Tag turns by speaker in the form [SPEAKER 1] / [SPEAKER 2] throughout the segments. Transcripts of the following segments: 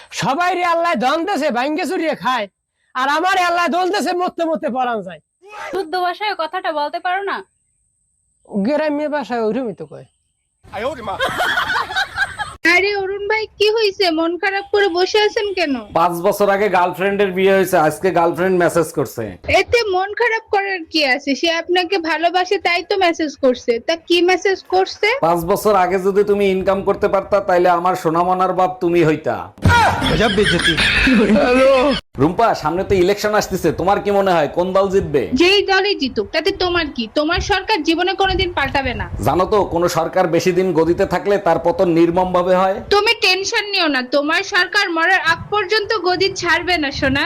[SPEAKER 1] সবাই রে আল্লাহ ধন দেশে ভাঙ্গে চুরিয়ে খায়, আর আমার আল্লাহ দোল দেশে মরতে মরতে পরান যায়।
[SPEAKER 2] শুদ্ধ ভাষায় কথাটা বলতে পারো না?
[SPEAKER 1] গ্রাম্য ভাষায় ওরমই তো কয়।
[SPEAKER 3] আরে অরুণ ভাই, কি হয়েছে? মন খারাপ করে বসে আছেন কেন?
[SPEAKER 4] 5 বছর আগে গার্লফ্রেন্ডের বিয়ে হয়েছে, আজকে গার্লফ্রেন্ড মেসেজ করছে।
[SPEAKER 3] এতে মন খারাপ করার কি আছে? সে আপনাকে ভালোবাসে তাই তো মেসেজ করছে। তা কি মেসেজ করছে?
[SPEAKER 4] 5 বছর আগে যদি তুমি ইনকাম করতে পারতা তাইলে আমার সোনামনার বাপ তুমি হইতা। রুম্পা, সামনে তো ইলেকশন আসতেছে, তোমার কি মনে হয় কোন দল জিতবে?
[SPEAKER 3] যেই দলই জিতুক তাতে তোমার কি? তোমার সরকার জীবনে কোনোদিন পাল্টাবে না।
[SPEAKER 4] জানো তো কোন সরকার বেশি দিন গদিতে থাকলে তার পতন নির্মম ভাবে হয়।
[SPEAKER 3] তুমি টেনশন নিও না, তোমার সরকার মরার আগ পর্যন্ত গদি ছাড়বে না সোনা।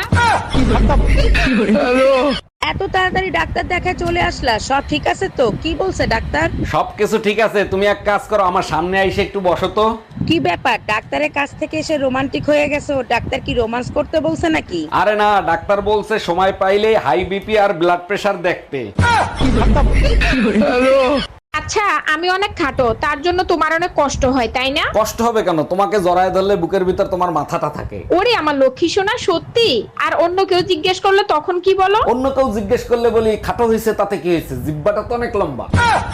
[SPEAKER 5] এত তাড়াতাড়ি ডাক্তার দেখা চলে আসলা, সব ঠিক আছে তো? কি বলছে ডাক্তার?
[SPEAKER 4] সবকিছু ঠিক আছে, তুমি এক কাজ করো, আমার সামনে আইসে একটু বসো তো।
[SPEAKER 5] কি ব্যাপার, ডাক্তারের কাছ থেকে এসে রোমান্টিক হয়ে গেছে? ডাক্তার কি রোমান্স করতে বলছে নাকি?
[SPEAKER 4] আরে না, ডাক্তার বলছে সময় পাইলে হাই বিপি আর ব্লাড প্রেশার দেখতে।
[SPEAKER 6] আচ্ছা, আমি অনেক খাটো, তার জন্য তোমার অনেক কষ্ট হয় তাই না?
[SPEAKER 4] কষ্ট হবে কেন? তোমাকে জড়ায় ধরলে বুকের ভিতর তোমার মাথাটা থাকে।
[SPEAKER 6] ওরে আমার লক্ষ্মী সোনা, সত্যি? আর অন্য কেউ জিজ্ঞেস করলে তখন কি বলো?
[SPEAKER 4] অন্য কেউ জিজ্ঞেস করলে বলি খাটো হয়েছে, তাতে কি হয়েছে, জিব্বাটা তো অনেক লম্বা।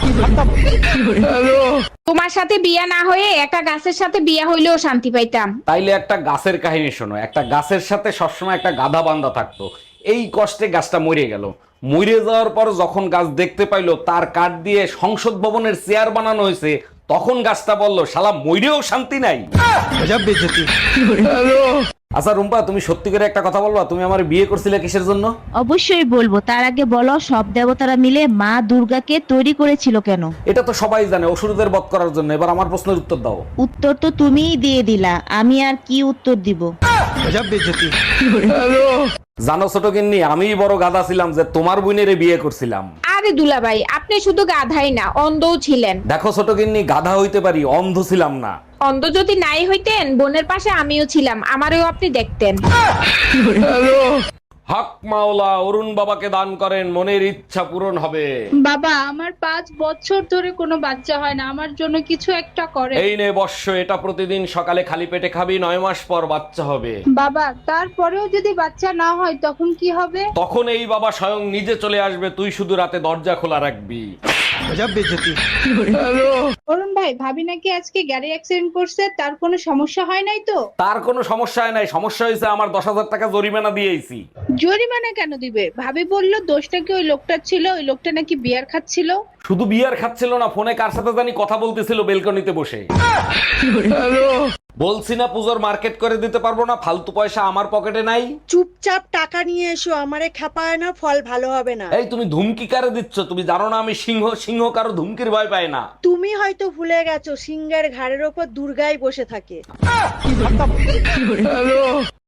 [SPEAKER 6] তোমার সাথে বিয়া না হয়ে একটা গাছের সাথে বিয়া হইলেও শান্তি পাইতাম।
[SPEAKER 4] তাইলে একটা গাছের কাহিনী শোনো। একটা গাছের সাথে সবসময় একটা গাধা বান্ধা থাকতো। এই কষ্টে গাছটা মরে গেল। মরে যাওয়ার পর যখন গাছ দেখতে পাইলো তার কাঠ দিয়ে সংসদ ভবনের চেয়ার বানানো হয়েছে, তখন গাছটা বলল শালা মইরেও শান্তি নাই। আচ্ছা রুম্পা, তুমি সত্যি করে একটা কথা বলবা, তুমি আমার বিয়ে করছিলে কিসের জন্য?
[SPEAKER 7] অবশ্যই বলবো, তার আগে বলো সব দেবতারা মিলে মা দুর্গাকে তৈরি করেছিল কেন?
[SPEAKER 4] এটা তো সবাই জানে, অসুরদের বধ করার জন্য। এবার আমার প্রশ্নের উত্তর দাও।
[SPEAKER 7] উত্তর তো তুমিই দিয়ে দিলা, আমি আর কি উত্তর দিব?
[SPEAKER 4] জানো ছোট গিন্নি, আমিই বড় গাধা ছিলাম যে তোমার বোনের বিয়ে করছিলাম।
[SPEAKER 6] আরে দুলাভাই, আপনি শুধু গাধাই না, অন্ধও ছিলেন।
[SPEAKER 4] দেখো ছোট গিন্নি, গাধা হইতে পারি, অন্ধ ছিলাম না।
[SPEAKER 6] অন্ধ যদি নাই হইতেন, বোনের পাশে আমিও ছিলাম, আমারও আপনি দেখতেন।
[SPEAKER 4] হক মাওলা, অরুণ বাবাকে দান করেন, মনের ইচ্ছা পূরণ হবে।
[SPEAKER 3] বাবা, আমার 5 বছর ধরে কোনো বাচ্চা হয় না, আমার জন্য কিছু একটা করে।
[SPEAKER 4] এই নে বর্ষ, এটা প্রতিদিন সকালে খালি পেটে খাবি, 9 মাস পর বাচ্চা হবে।
[SPEAKER 3] বাবা, তারপরেও যদি বাচ্চা না হয় তখন কি হবে?
[SPEAKER 4] তখন এই বাবা স্বয়ং নিজে চলে আসবে, তুই শুধু রাতে দরজা খোলা রাখবি।
[SPEAKER 3] অরুণ ভাই, ভাবি নাকি আজকে গাড়ি অ্যাক্সিডেন্ট করছে, তার কোনো সমস্যা হয় নাই তো?
[SPEAKER 4] তার কোনো সমস্যা হয় নাই, সমস্যা হয়েছে আমার 10,000 টাকা জরিমানা দিয়েছি।
[SPEAKER 3] জরিমানা কেন দিবে? ভাবি বলল দোষটা কি ওই লোকটার ছিল, ওই লোকটা নাকি বিয়ার খাচ্ছিল।
[SPEAKER 4] শুধু বিয়ার খাচ্ছিল না, ফোনে কার সাথে জানি কথা বলতেছিল বেলকনিতে বসে। বলছি না পুজোর মার্কেট করে দিতে পারবো না, ফালতু পয়সা আমার পকেটে নাই।
[SPEAKER 5] চুপচাপ টাকা নিয়ে এসো, আমারে খেপায় না, ফল ভালো হবে না।
[SPEAKER 4] এই তুমি ধুমকি কারে দিচ্ছ? তুমি জানো না আমি সিংহ, সিংহ কারো ধুমকির ভয় পায় না।
[SPEAKER 5] তুমি হয়তো ভুলে গেছো, সিংহের ঘাড়ের ওপর দুর্গাই বসে থাকে।